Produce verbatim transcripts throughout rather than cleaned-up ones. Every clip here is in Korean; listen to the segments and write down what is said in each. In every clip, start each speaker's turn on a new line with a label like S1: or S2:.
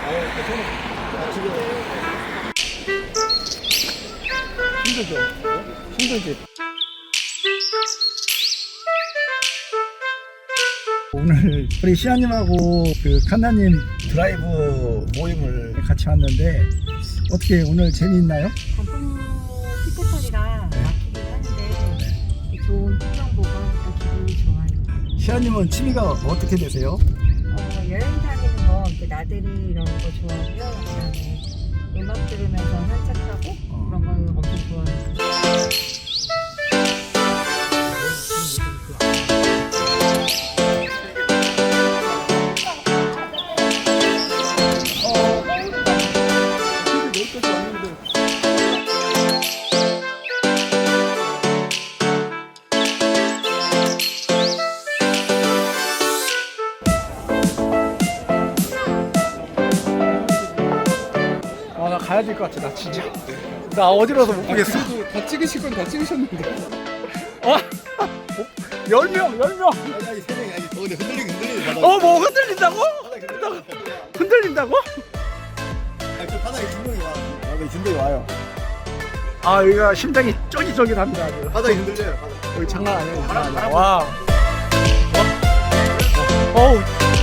S1: 힘들죠? 힘들지? 오늘 우리 시아님하고 그 칸나님 드라이브 모임을 같이 왔는데 어떻게 오늘 재미있나요?
S2: 단풍 피크철이라 막히긴 하는데 좋은 풍경 보고 하니까 기분이 좋아요.
S1: 시아님은 취미가 어떻게 되세요?
S2: 어, 여행 다니는 거, 이렇게 나들이 이런 거 좋아하고요. 그다음에 음악 들으면서 산책하고
S1: 어.
S2: 그런 거 엄청 좋아해요.
S1: 아, 나 가야 될 것 같아. 나 진짜. 나 어지러워서 못 보겠어.
S3: 그래도 다 찍으실 건 다 찍으셨는데.
S1: 아, 열 명, 열 명.
S3: 아니 아니 세 명이 아니. 어 근데 흔들리긴 흔들리네.
S1: 어, 뭐 흔들린다고? 흔들린다고?
S3: 아니 저 바닥에 진동이 와.
S1: 바닥에 진동이 와요. 아, 여기가 심장이 쫄깃쫄깃합니다. 아주.
S3: 바닥이 흔들려요. 바닥.
S1: 여기 장난 아니에요. 장난 아니에요. 와. 어? 어우.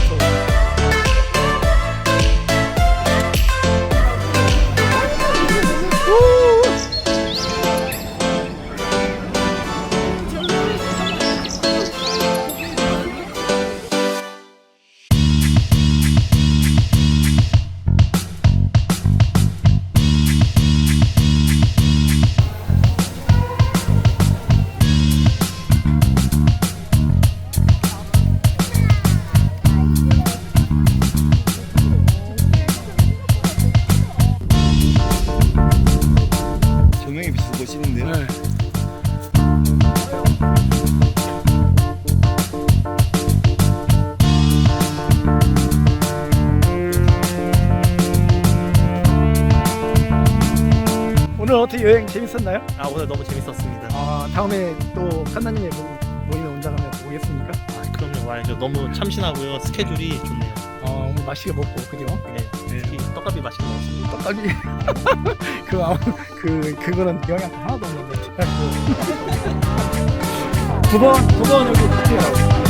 S3: 조명이 비춰서 멋있는데요.
S1: 네. 오늘 어떻게 여행 재밌었나요?
S4: 아 오늘 너무 재밌었습니다.
S1: 아, 다음에 또 칸나님의 모임에 온다면 오겠습니까?
S4: 아, 그럼요 와야죠. 너무 참신하고요. 스케줄이 좋네요.
S1: 어, 오늘 맛있게 먹고 그죠?
S4: 네, 특히 떡갈비 맛있게 먹었습니다.
S1: 떡갈비 그 아무 그 그거는 영양 하나도 없는데 두번 두 번 여기 같이요.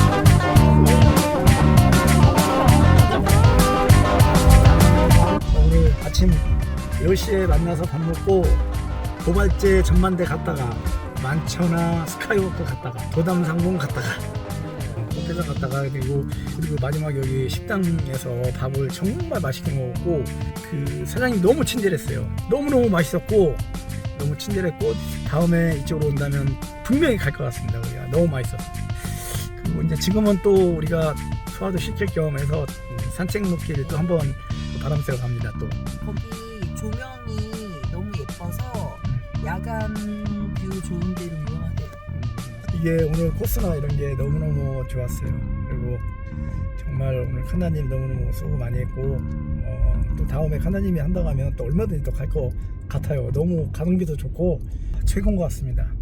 S1: 오늘 아침 열 시에 만나서 밥 먹고 도발제 전만대 갔다가 만천하 스카이워크 갔다가 도담상봉 갔다가 호텔장 갔다가 그리고 그리고 마지막 여기 식당에서 밥을 정말 맛있게 먹었고 그 사장님 너무 친절했어요. 너무너무 맛있었고 너무 친절했고 다음에 이쪽으로 온다면 분명히 갈 것 같습니다. 우리가 너무 맛있었어요. 그리고 이제 지금은 또 우리가 소화도 시킬 겸 해서 산책 로길을 또 한번 바람 쐬러 갑니다. 또
S2: 거기 조명이 너무 예뻐서 야간 뷰 좋은 데로 유명하대요.
S1: 이게 오늘 코스나 이런 게 너무너무 좋았어요. 그리고 정말 오늘 칸나님 너무너무 수고 많이 했고 어, 또 다음에 칸나님이 한다고 하면 또 얼마든지 또 갈 것 같아요. 너무 가성비도 좋고 최고인 것 같습니다.